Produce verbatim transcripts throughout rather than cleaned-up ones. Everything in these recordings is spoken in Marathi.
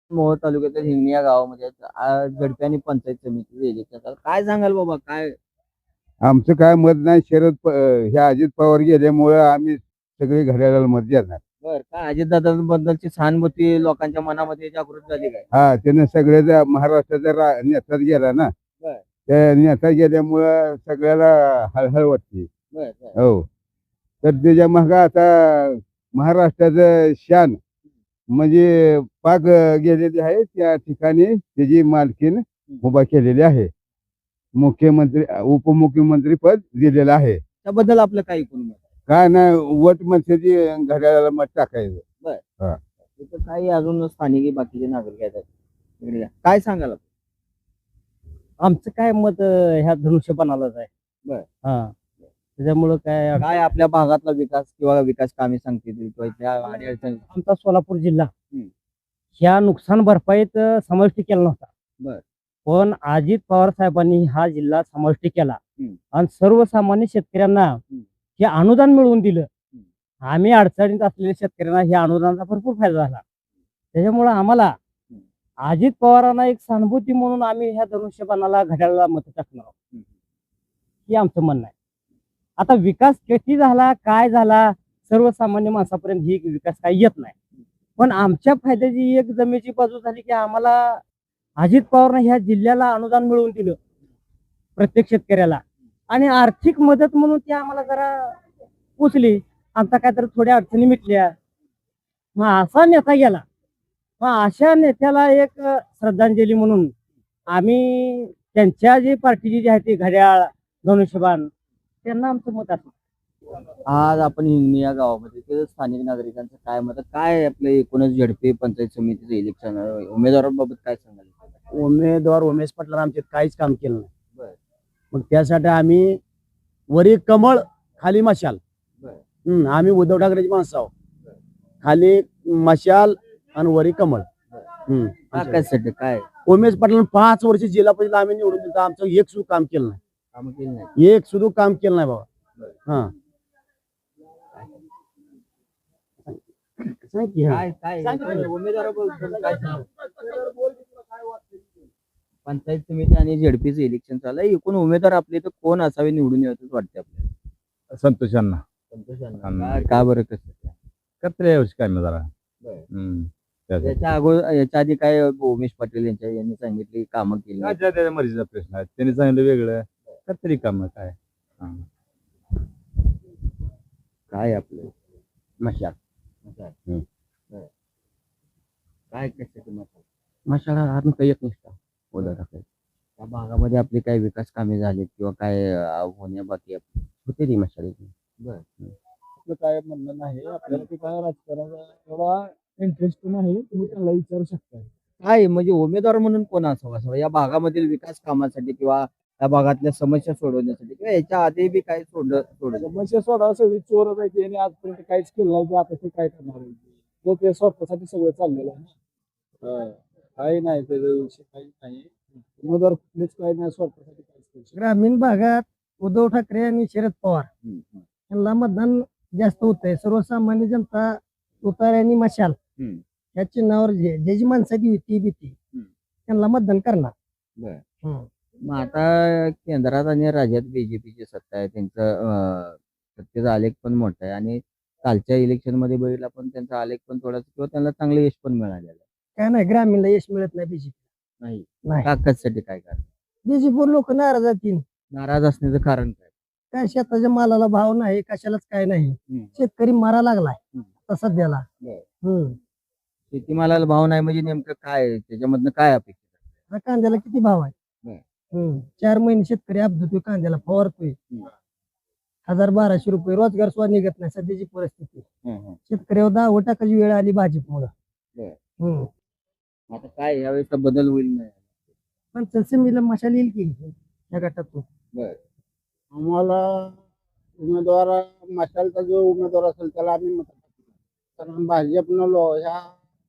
मोहोळ तालुक्यातील हिंगणी या गावामध्ये आज झडपी आणि पंचायत समितीचे इलेक्शन चालू. काय सांगाल बाबा काय? आमचं काय मत नाही. शरद प हे अजित पवार गेल्यामुळं आम्ही सगळे घड्याळाला मत देणार. बर काय अजितदादांबद्दलची सहानुभूती लोकांच्या मनामध्ये जागृत झाली काय? हा, त्यानं सगळ्याचा महाराष्ट्राचा रा नेताच गेला ना. बर त्या नेता गेल्यामुळं सगळ्याला हळहळ वाटते. बर बर हो. तर त्याच्या मागं आता महाराष्ट्राचं शान म्हणजे पाक गेलेली आहे. त्या ठिकाणी त्याची मालकीन उभा केलेली आहे. मुख्यमंत्री उपमुख्यमंत्री पद दिलेलं आहे. त्याबद्दल आपलं काय एकूण मत आहे? काय नाही, वट मनसेची घड्याळाला मत टाकायचं. बर हा. इथं काही अजून स्थानिक बाकीचे नागरिक आहेत इकडे या. काय सांगाल आपण? आमचं काय मत अं, ह्या धनुष्यबाणालाच आहे. बर हा, त्याच्यामुळं काय काय आपल्या भागातला विकास किंवा विकास कामे सांगतील किंवा इथल्या अडीअडचणी? आमचा सोलापूर जिल्हा हम्म. ह्या नुकसान भरपाईत अं, समाविष्ट केला नव्हता. बर पण अजित पवार साहेबांनी हा जिल्हा समाविष्ट केला हम्म. आणि सर्वसामान्य शेतकऱ्यांना हे अनुदान मिळवून दिलं. आम्ही अडचणीत असलेल्या शेतकऱ्यांना ह्या अनुदानाचा भरपूर फायदा झाला. त्याच्यामुळं आम्हाला अजित पवारांना एक सहानुभूती म्हणून आम्ही ह्या धनुष्यबाणाला घड्याळाला मत टाकणार आहोत. हे आमचं म्हणणं आहे. आता विकास किती झाला काय झाला सर्वसामान्य माणसापर्यंत ही विकास काही येत नाही. पण आमच्या फायद्याची एक जमेची बाजू झाली की आम्हाला अजित पवारने ह्या जिल्ह्याला अनुदान मिळवून दिलं प्रत्येक शेतकऱ्याला आणि आर्थिक मदत म्हणून ती आम्हाला जरा पोचली. आमचा काहीतरी थोड्या अडचणी मिटल्या. मग असा नेता गेला, मग अशा नेत्याला एक अ, श्रद्धांजली म्हणून आम्ही त्यांच्या जी पार्टीची जी आहे ती घड्याळ धनुष्यबाण त्यांना आमचं मत असतं. आज आपण हिंगणी या गावामध्ये ते स्थानिक नागरिकांचं काय मत आहे? काय आपलं एकूणच झडपी पंचायत समितीचं इलेक्शन उमेदवारांबाबत काय सांगाल? उमेदवार उमेश पाटलांना आमच्यात काहीच काम केलं नाही. बर मग त्यासाठी आम्ही वरी कमळ खाली मशाल. बर हम्म, आम्ही उद्धव ठाकरेची माणसं आहोत. खाली मशाल आणि वरी कमळ. हम्म. काय कशासाठी काय उमेश पाटलांना पाच वर्ष जिल्हा परिषद आम्ही निवडून दिलं, आमचं एक सुद्धा काम केलं नाही. काम केली नाही? एक सुद्धा काम केलं नाही बाबा. हा, सांग की, हा. काय काय उमेदवाराबद्दल काय सांगाल? पंचायत समिती आणि झेडपीचं इलेक्शन चालू आहे. एकूण उमेदवार आपले तर कोण असावे निवडून यावंच वाटते आपल्याला? संतोषांना संतोषांना. का- का बरं कसं? करते यावर्षी काय मग जरा. बरं. हम्म. त्यासाठी. याच्या अगोदर याच्या आधी काय उमेश पाटील यांच्या यांनी सांगितली कामं केली नाहीत. त्याच्या त्याच्या मर्जीचा प्रश्न आहे. त्यांनी सांगितलं वेगळं करतरी काम काय. हा. काय आपलं मशाल मशाल. हम्म. बरं. काय कशाचं मत आहे? मशाल हा काही एक निष्ठा उद्धव ठाकरे त्या भागामध्ये आपली काही विकास कामे झालीत किंवा काय अं, होण्या बाकी आहे? होते ती मशाल. बरं आपलं काय म्हणणं नाही. आपल्याला ते काय राजकारणाचा एवढा इंटरेस्ट नाही. तुम्ही त्याला विचारू शकता. काय म्हणजे उमेदवार म्हणून कोण असावं असं या भागामधील विकास कामासाठी किंवा या भागातल्या समस्या सोडवण्यासाठी किंवा याच्या आधी बी काय सोडलं सोडलं समस्या सोडा, सगळी चोरच आहे आणि आजपर्यंत काहीच केलं नाही. ते आता ते काय करणार आहे? तो ते स्वतःसाठी सगळं चाललेलं आहे ना. हा. काही नाही त्याच्या विषय काही नाही. उमेदवार कुठलेच काही नाही, स्वतःसाठी काहीच करू शकत ग्रामीण भागात उद्धव ठाकरे आणि शरद पवार हम्म, हम्म, यांना मतदान जास्त होत आहे. सर्वसामान्य जनता तुतार आणि मशाल हम्म. या चिन्हावर जे ज्याची माणसाची युती भीती त्यांना मतदान करणार. बरं. हम्म. मग आता केंद्रात आणि राज्यात बीजेपीची सत्ता आहे. त्यांचं अं, सत्तेचा आलेख पण मोठा आहे आणि कालच्या इलेक्शन मध्ये बघितला पण त्यांचा आलेख पण थोडासा किंवा त्यांना चांगलं यश पण मिळालेलं आहे. काय नाही, ग्रामीणला यश मिळत नाही. बीजेपी नाही नाही. का कशासाठी काय कारण? बीजेपीवर लोक नाराज आहेत. नाराज असण्याचं कारण काय? काय शेताच्या मालाला भाव नाही, कशालाच काय नाही. हम्म. शेतकरी मारा लागलाय हम्म. आता सध्याला. बरं. हम्म. शेतीमालाला भाव नाही म्हणजे नेमकं काय आहे? त्याच्यामधनं काय अपेक्षा? आता कांद्याला किती भाव आहे? बरं. हम्म. चार महिने शेतकरी अपजतोय, कांद्याला फवारतोय. हम्म. हजार बाराशे रुपये रोजगार सुद्धा निघत नाही सध्याची परिस्थिती. हम्म, हम्म. शेतकऱ्यावर दहा टाकाची वेळ आली भाजपमुळं. बरं. हम्म. आता काय यावेळेस बदल होईल नाही? पण तसं मशाल येईल की या गटातून. बरं. आम्हाला उमेदवार मशालचा जो उमेदवार असेल त्याला आम्ही मत टाकू. कारण भाजपनं लो ह्या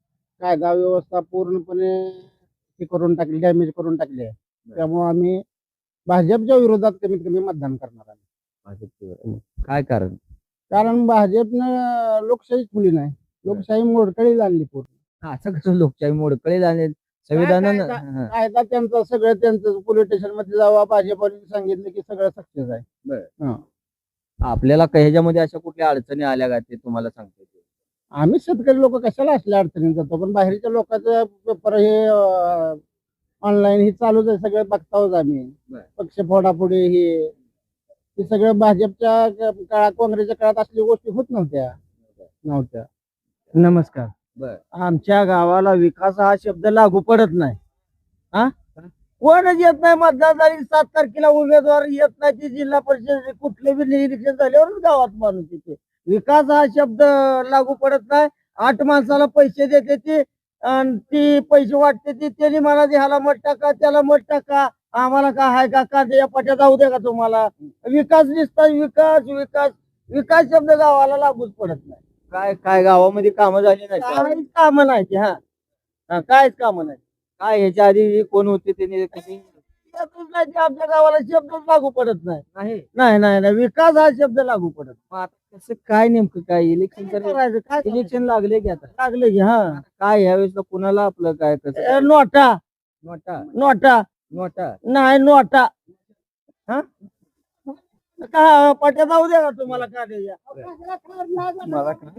कायदा व्यवस्था पूर्णपणे हे करून टाकली, डॅमेज करून टाकली आहे. त्यामुळे आम्ही भाजपच्या विरोधात कमीत कमी मतदान करणार आहे. भाजपवर. काय कारण? कारण भाजपनं लोकशाही खुली नाही, लोकशाही मोडकळीला आणली पूर्ण. असं कसं लोकशाही मोडकळेल आणि संविधानानं कायदा- हा. कायदा त्यांचं सगळं त्यांचं पोलीस स्टेशन मध्ये जावा भाजपने सांगितलं की सगळं सक्सेस आहे. बरं. हा. आपल्याला काही ह्याच्यामध्ये अशा कुठल्या अडचणी आल्या का ते तुम्हाला सांगतो ते. आम्ही शेतकरी लोक कशाला असल्या अडचणीत जातो, पण बाहेरच्या लोकांचं पेपर हे ऑनलाईन हे चालूच आहे, सगळं बघताच आम्ही. बरं. पक्ष फोडाफोडी हे हे सगळं भाजपच्या काळात काँग्रेसच्या काळात असल्या गोष्टी होत नव्हत्या नव्हत्या नमस्कार. बर आमच्या गावाला विकास हा शब्द लागू पडत नाही. हा कोणच येत नाही मतदार सात तारखेला उमेदवार येत नाही ते जिल्हा परिषद कुठले बी निरीक्षण झाल्यावरच गावात माणूस येते. विकास हा शब्द लागू पडत नाही. आठ माणसाला पैसे देते ते आणि ती पैसे वाटते ती त्यांनी मला ह्याला मत टाका त्याला मत टाका आम्हाला काय आहे का कांद्या पाट्या जाऊ दे का तुम्हाला. विकास दिसता विकास विकास विकास शब्द गावाला लागूच पडत नाही. काय काय गावामध्ये कामं झाली नाही का? काहीच कामं नाही ते. हा हा, काहीच कामं नाही. काय ह्याच्या आधी कोण होते त्यांनी कधी येतच नाही ते आमच्या गावाला शब्दच लागू पडत नाही. नाही. नाही नाही नाही विकास हा शब्द लागू पडत मग आता कसं काय नेमकं काय इलेक्शन काय करायचं काय करायचं? इलेक्शन लागले की आता लागले की हा काय यावेळेस कुणाला आपलं काय कसं ए, काय? नोटा नोटा नोटा नोटा नाही नोटा हा का पट्या जाऊ दे का तुम्हाला का मला काय?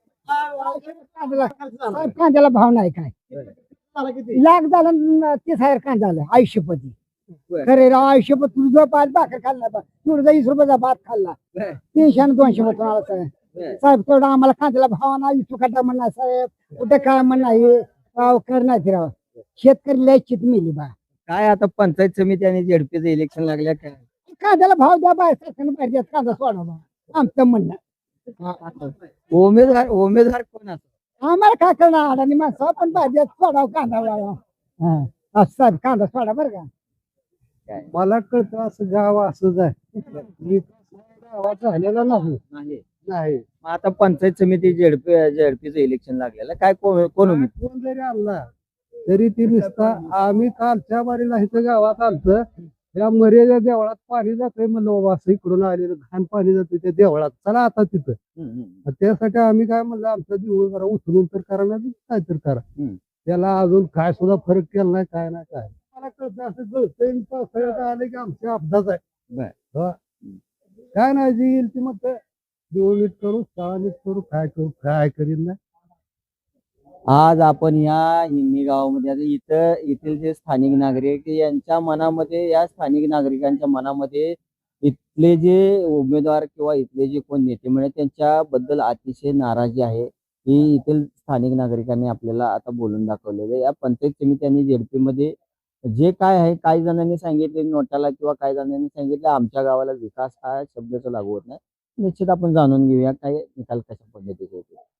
साहेब, कांद्याला भाव नाही काय लाख झाला न तीस हजार कांदा झाला आयुष्यपती. बरं. खरे राव आयुष्यपत तुझं पाच भाकर खाल्ला बा तुझा वीस रुपयाचा भात खाल्ला बरं. तीनशे आणि दोनशे मत आला साहेब. बरं. साहेब तेवढा आम्हाला कांद्याला भाव नाही सुखाटा म्हणणार साहेब कुठे काय म्हणणार हे राव करणार ते राव शेतकरी लय चित मिली बा. काय आता पंचायत समिती आणि झेडपीचं इलेक्शन लागल्या काय कांद्याला भाव द्या बाय सरकारनं पाहिजे कांदा सोडा बा आमचं म्हणणं. उमेदवार उमेदवार कोण असतो आम्हाला काय करणार अडाणी माणसं पण पाहिजे सोडाव कांदा वाळवा. हा असं साहेब कांदा सोडा बरं का. मला कळतं असं गाव असंच आहे. गावात झालेला नाही नाही नाही मग आता पंचायत समिती झेडपी झेडपीचं इलेक्शन लागलेलं काय कोण कोण उमेदवार? कोण जरी आणला तरी ती नुसता आम्ही कालच्या बारीला इथं गावात आलतं या मर्यादा देवळात पाणी जातंय म्हणलं बाबा असं इकडून आलेलं घाण पाणी जातंय त्या देवळात चला आता तिथं. हम्म, हम्म. मग त्यासाठी आम्ही काय म्हणलं आमचा दिवस जरा उचलून तर करा नाही काय तर करा. हम्म. त्याला अजून काय सुद्धा फरक केला नाही काय नाही काय मला कळतं असं कळतंय पावसाळ्यात आले की आमच्या अपघात आहे. बर. हो. काय नाही जी येईल ती मग दिवळ नीट करू शाळा नीट करू काय करू काय करीन नाही. आज आपण या हिंगणी गावामध्ये आता इथं येथील जे स्थानिक नागरिक यांच्या मनामध्ये या स्थानिक नागरिकांच्या मनामध्ये इथले जे उमेदवार किंवा इथले जे कोण नेते म्हणजे त्यांच्याबद्दल अतिशय नाराजी आहे ही येथील स्थानिक नागरिकांनी आपल्याला आता बोलून दाखवलेलं आहे. या पंचायत समिती आणि झेडपी मध्ये जे काय आहे काही जणांनी सांगितले नोटाला किंवा काही जणांनी सांगितलं आमच्या गावाला विकास हा शब्दाचा लागू होत नाही. निश्चित आपण जाणून घेऊया काय निकाल कशा पद्धतीचे होते.